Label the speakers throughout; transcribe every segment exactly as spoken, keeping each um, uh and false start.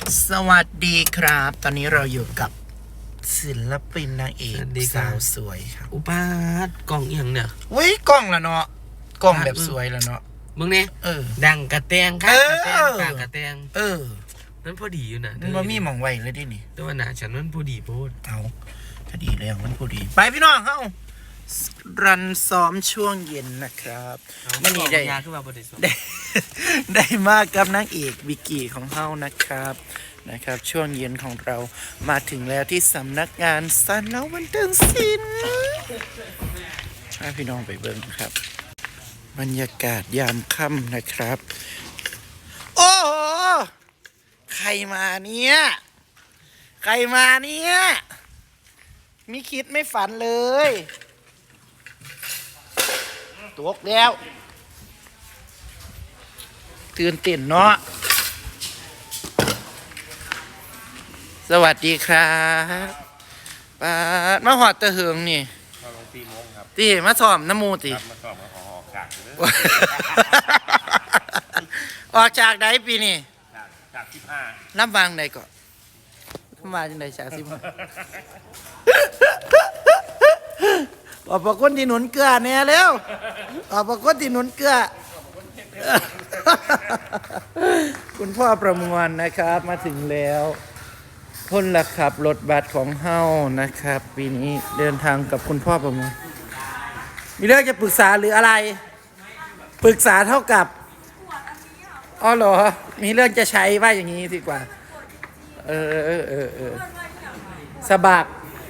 Speaker 1: สวัสดีครับตอนนี้เราอยู่กับศิลปินนางเอกสาวสวยครับ
Speaker 2: อุปาทกล่องอย่างเนี่ย
Speaker 1: เว้ยกล้องละเนาะกล้องแบบสวยละเนาะ
Speaker 2: มึงเนี่ย
Speaker 1: เออ
Speaker 2: ดังกระแตงค่ะกระแตงปากกระแตง
Speaker 1: เออ
Speaker 2: นั่นพอดีอยู่นะ
Speaker 1: มันว่ามีหมองไว้เลยดินี่
Speaker 2: แต่ว่าหนาฉันนั่นพอดีโพด
Speaker 1: เอาพอดีแล้วมันพอดีไปพี่น้องเข้ารันซ้อมช่วงเย็นนะครับ
Speaker 2: มัน
Speaker 1: นี่ได้ได้ได้มากกับนางเอกวิกกี้ของเฮานะครับนะครับช่วงเย็นของเรามาถึงแล้วที่สำนักงานสันแล้วบันเทิงศิลป์ให้พี่น้องไปเบิ่งครับบรรยากาศยามค่ำนะครับโอ้โหใครมาเนี่ยใครมาเนี่ยไม่คิดไม่ฝันเลยตกแล้วตื่นเต้นเนาะสวัสดีครับป้ามาหอดตะเหืองนี่
Speaker 3: มาลงตีโมงครับ
Speaker 1: ตีมาสอบน้ำมูตี
Speaker 3: มาสอบมาขอออกจากเลย
Speaker 1: ออกจากไหนปีนี่
Speaker 3: จากจากสิบห้า
Speaker 1: น้ำบางใดก่อนน้ำบางจังใดชาสิบห้าออกประคนที่หนุนเกลือเนี่ยเร็วออกประคนที่หนุนเกลือคุณพ่อประมวลนะครับมาถึงแล้วพ้นละขับรถบัสของเฮานะครับปีนี้เดินทางกับคุณพ่อประมวลมีเรื่องจะปรึกษาหรืออะไรปรึกษาเท่ากับอ๋อเหรอมีเรื่องจะใช้ว่าอย่างนี้ดีกว่าเออเออเออเออสบัก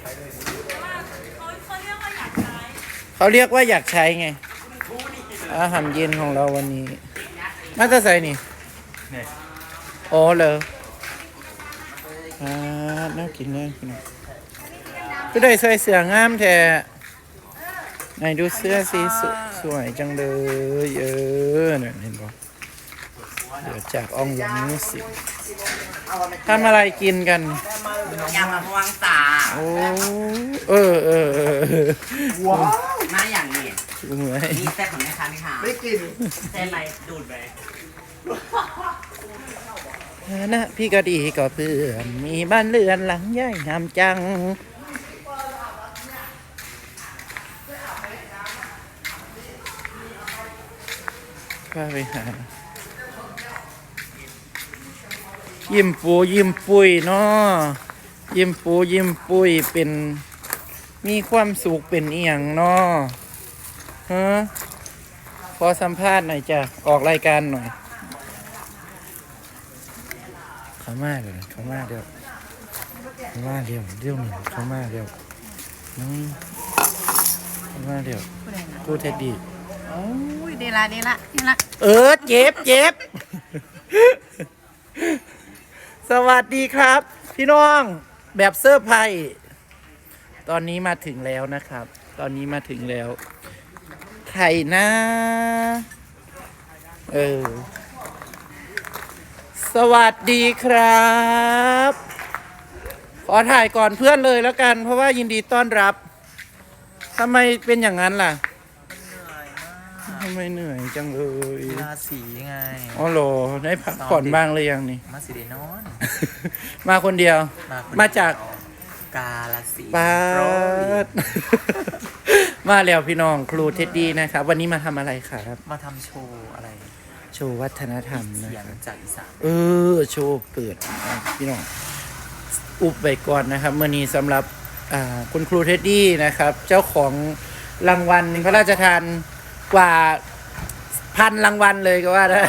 Speaker 1: เขาเรียกว่าอยากใช้ไงอาหารเย็นของเราวันนี้มาจะใส่นี่อ๋อเหรออ่าน่ากินน่ากินก็ได้ใส่เสื้องามแท้ไหนดูเสื้อสีสวยจังเลยเออเนี่ยเห็นป่ะเดี๋ยวจากอ่องยังนี้สิทำอะไรกินกัน
Speaker 4: ยำมะม่วงตา
Speaker 1: โอ้เออเออเออ
Speaker 4: ว้าวมาอย่างนี้
Speaker 1: เหมือน
Speaker 4: มีแซ่บของแม่ค้าไหมคะ
Speaker 1: ไม่กิน
Speaker 4: แซ่บไหมดูดไป
Speaker 1: นะพี่ก็ดีก็เพื่อนมีบ้านเรือนหลังใหญ่งามจังก็ไปหายิ้มปูยิ้มปุยเนาะยิ้มปูยิ้มปุยเป็นมีความสุขเป็นอีหยังเนาะฮะขอสัมภาษณ์หน่อยจ้ะออกรายการหน่อยเขามาเลยเขามาเดี๋ยวเขามาเดี๋ยวเดี๋ยวหนึ่งเขามาเดี๋ยวน้องเขามาเดี๋ยวพูดเท็ดดี้
Speaker 4: โอ้ยดีละดีละดีละ
Speaker 1: เออเจ็บเจ็บสวัสดีครับพี่น้องแบบเซอร์ไพรส์ตอนนี้มาถึงแล้วนะครับตอนนี้มาถึงแล้วใครนะเออสวัสดีครับขอถ่ายก่อนเพื่อนเลยแล้วกันเพราะว่ายินดีต้อนรับทำไมเป็นอย่างนั้นล่ะทำไมเหนื่อยจังเลย
Speaker 4: มาสีไง
Speaker 1: อ๋อโหได้พักผ่อนบ้างเลยยังนี่
Speaker 4: มาสีเดนอน
Speaker 1: มาคนเดียวมาจาก
Speaker 4: กาลสี
Speaker 1: ปาดมาแล้วพี่น้องครูเท็ดดี้นะครับวันนี้มาทำอะไรครับ
Speaker 4: มาทำโชว์อะไร
Speaker 1: โชว์วัฒนธรรมนะ
Speaker 4: เสียงจากอีสาน
Speaker 1: เออโชว์เปิดพี่น้องอุบไปก่อนนะครับเมื่อนี้สำหรับคุณครูเท็ดดี้นะครับเจ้าของรางวัลพระราชทานกว่าพันรางวัลเลยก็ว่าได้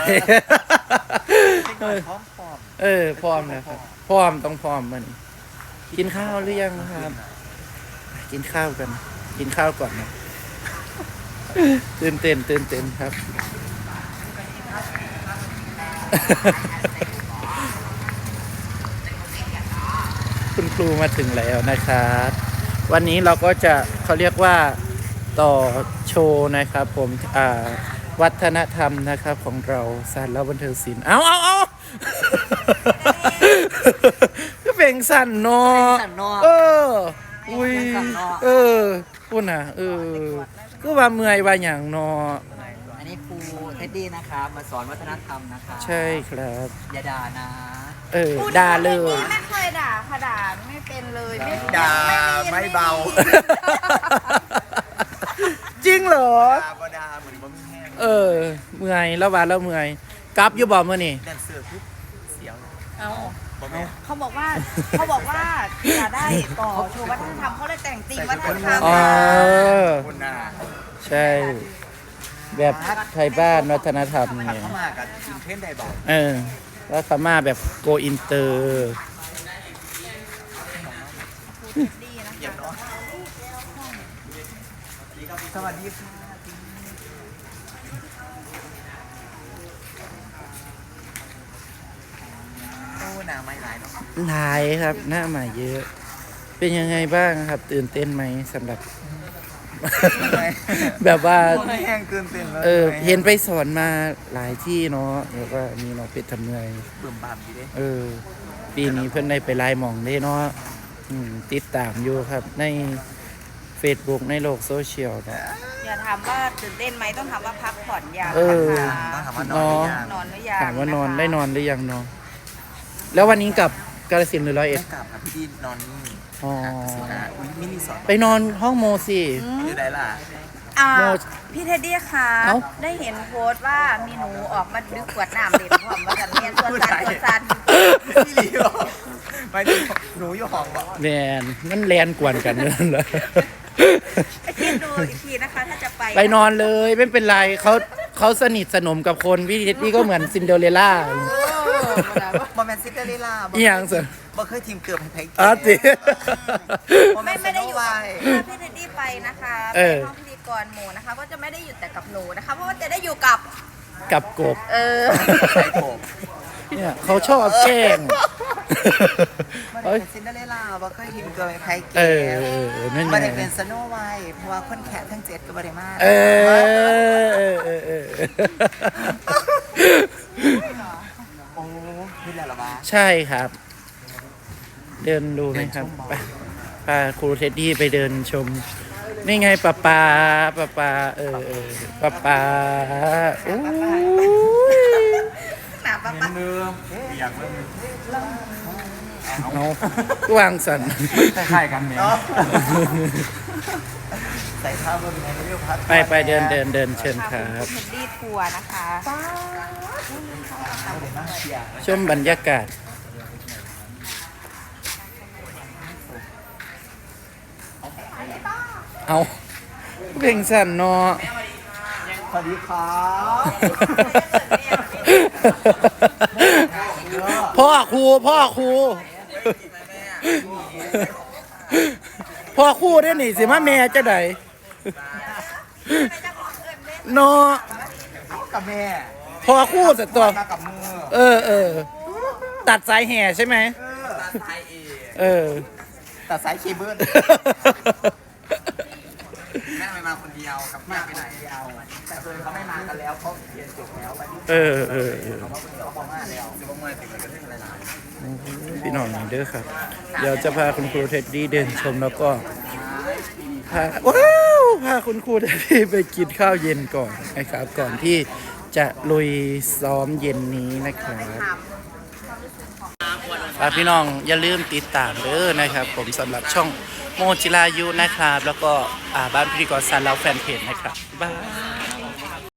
Speaker 1: เออพร้อมนะครับพร้อมต้องพร้อมมันกินข้าวหรือยังครับกินข้าวกันกินข้าวก่อนนะตื่นเต้นตื่นเต้นครับคุณครูมาถึงแล้วนะครับวันนี้เราก็จะเขาเรียกว่าต่อโชว์นะครับผมอ่าวัฒนธรรมนะครับของเราสารแล้วบันเทิงศิลป์เอาเอาเอาก็เป็นสั่นเนาะเอออุ้ยเออพูดนะเออก็ว่าเมื่อยว่าอย่างเนาะ
Speaker 4: อันนี้ครูเท็ดดี้นะครับมาสอนวัฒนธรรมนะคะ
Speaker 1: ใช่ครับ
Speaker 4: อย่าด่านะ
Speaker 1: เออด่าเลย
Speaker 5: ไม่เคยด่าค่ะด่าไม่เป็นเลยไม่
Speaker 4: ด่าไม่เบา
Speaker 1: จริงเหรอ
Speaker 4: ด่าบ่ด่าเหมือนบ่มีแห้ง
Speaker 1: เออ เมื่อยแล้วว่าแล้วเมื่อยกลับอยู่บ่มื้อนี่
Speaker 4: แดนเซอร์ปุ๊บเสียว
Speaker 5: เอา
Speaker 4: บ่แม่น
Speaker 5: เขาบอกว่าเขาบอกว่าอย่าได้ต่อโชว์วัฒนธรรมเขาเลยแต่งตีมวัฒนธรรม
Speaker 1: อ๋อ
Speaker 4: คุณน่ะ
Speaker 1: ใช่ แบบไทยบ้านวัฒนธรรม
Speaker 4: หัก
Speaker 1: เนี่ย
Speaker 4: เข้ามากับกินเทนได้บ่
Speaker 1: เออ แล้วเขามาแบบโกอินเตอร์
Speaker 5: ดีนะ
Speaker 4: เยี่ยม
Speaker 5: คะ
Speaker 4: เนาะสวัสดีค่ะโอ้หน้าไม่หลายเนาะ
Speaker 1: หลายครับ หน้าใหม่เยอะ เป็นยังไงบ้างครับ ตื่นเต้นไหมสำหรับ แบบว่า
Speaker 4: ไม่แห้งเกินเต้นแล้ว
Speaker 1: เออ เห็นไปสอนมาหลายที่เนาะแล้วก็มีน้องเป็ดทำเนย
Speaker 4: เบิ่มบามดีเด้
Speaker 1: เออ ปีนี้เพื่อนได้ไปไลน์หมองได้เนาะอืมติดตามอยู่ครับ ใน Facebook ในโลกโซเชียลเนาะ
Speaker 5: อย่าถามว่าตื่นเต้นไหมต้องถามว่าพักผ่อนยัง
Speaker 1: เออ
Speaker 5: นะคะ
Speaker 4: ต้องถามว่านอนหรือยัง
Speaker 5: นอนหรือยัง
Speaker 1: ถามว่านอน
Speaker 5: นะคะ
Speaker 1: ได้นอนหรือยังเนาะแล้ววันนี้กลับกาฬสินธุ์หรือร้อยเอ็ด
Speaker 4: ไม่กลับครับพี่ดีนอนนี่
Speaker 1: อ๋อ
Speaker 4: สินะอุ้ยมินิสอด
Speaker 1: ไปนอนห้องโมสิ
Speaker 4: อยู่ไหนล่ะ
Speaker 5: อ่า
Speaker 1: โม
Speaker 5: พี่เท็ดดี้คะ
Speaker 1: เอ้า
Speaker 5: ได้เห็นโพสต์ว่ามีหนูออกมาดึกขวดน้ำเด็กพร้อมว่ากันเรียนตัวสันตัวสัน
Speaker 4: พี่ลีบอกไปดูหนูอยู่ห้องบอก
Speaker 1: แมนมันแลนกวนกันนั่นแหละ
Speaker 5: ไปคิดดูอีกทีนะคะ ถ้าจะไป
Speaker 1: ไปนอนเลยไม่เป็นไรเขาเขาสนิทสนมกับคนพี่ทิศพี่ก็เหมือนซินเดอเรลล่า
Speaker 4: บอแมนซิเดอเรลล่า
Speaker 1: อีหยังสิ
Speaker 4: บ่เคยทีมเกือบให้แพ้
Speaker 1: อ๋อจิ
Speaker 5: ไม่ไม่ได้อยู่
Speaker 4: ไว
Speaker 5: ถ้าพี่เท็ดดี้ไปนะคะ
Speaker 1: เอ
Speaker 5: ไป
Speaker 1: อ
Speaker 5: ห้องพิธีกรหมู่นะคะ ก็จะไม่ได้อยู่แต่กับหนูนะคะ เพราะว่าจะได้อยู่กับ
Speaker 1: กับกบ
Speaker 5: เออ
Speaker 4: ใส่ผม
Speaker 1: เนี่ยเขาชอบแกล้ง
Speaker 4: มัน
Speaker 1: เอ้ย
Speaker 4: เป็นซินเดอเรลล่าบ่เคยทีมเกือบให้แพ้เก
Speaker 1: เออ
Speaker 4: ม
Speaker 1: เออเออนั่นไง
Speaker 4: มันได้เป็นสโนไวท์เพราะว่าคนแขกทั้งเจ็ดก็บ่ได้มา
Speaker 1: เออเออเออเออ
Speaker 4: โอ้นี่แหละเหรอวะ
Speaker 1: ใช่ครับ เดินดูไหมครับไปพาครูเท็ดดี้ไปเดินชม นี่ไงป้าปาป้าปาเออเออป้าปาโอ้ย
Speaker 5: หนาปะปะ
Speaker 3: อยากเริ่ม
Speaker 1: เอาวางสัน
Speaker 3: คล้ายๆกันเนี่ย
Speaker 4: ใส่ผ้าบนในเรื่องพัด
Speaker 1: ไปไปเดินเดินเดินเชิญค
Speaker 5: ค่ะ
Speaker 1: รับ
Speaker 5: คุณเท็ดดี้ทัวร์นะคะ
Speaker 1: ชมบรรยากาศ เอาเพลงสั่นเนาะ
Speaker 4: สวัสดีครับ
Speaker 1: พ่อครูพ่อครูพ่อครูได้หนิสิมาแม่จะไดเนาะ
Speaker 4: กับแม่
Speaker 1: พ่อครูสัตว์ตัว
Speaker 4: มากับมือ
Speaker 1: เออเออตัดสายแห่ใช่ไหม
Speaker 4: ตัดสายเอ
Speaker 1: เออ
Speaker 4: ตัดสายเคเบิลแม่ไม่มาคนเดียวกับแม่ไปไหนเอาแต่เพื่อนเขาไม่มากันแล้วเขาเรียนจบแล้ววันนี้
Speaker 1: เออเออเออ
Speaker 4: เขาคนเดียวเขาพอมาแล้วจะมาเมื่อถึงกันเรื่องอะไรล่ะ
Speaker 1: พี่น้องนี่เด้อครับ เดี๋ยวจะพาคุณครูเท็ดดี้เดินชมแล้วก็พาว้าวพาคุณครูเท็ดดี้ไปกินข้าวเย็นก่อนนะครับ ก่อนที่จะลุยซ้อมเย็นนี้นะครับฝากพี่น้องอย่าลืมติดตามเด้อนะครับ ผมสำหรับช่องโมจิรายุนะครับ แล้วก็อ่าบ้านพิธีกรสารเราแฟนเพจนะครับบ๊ายบาย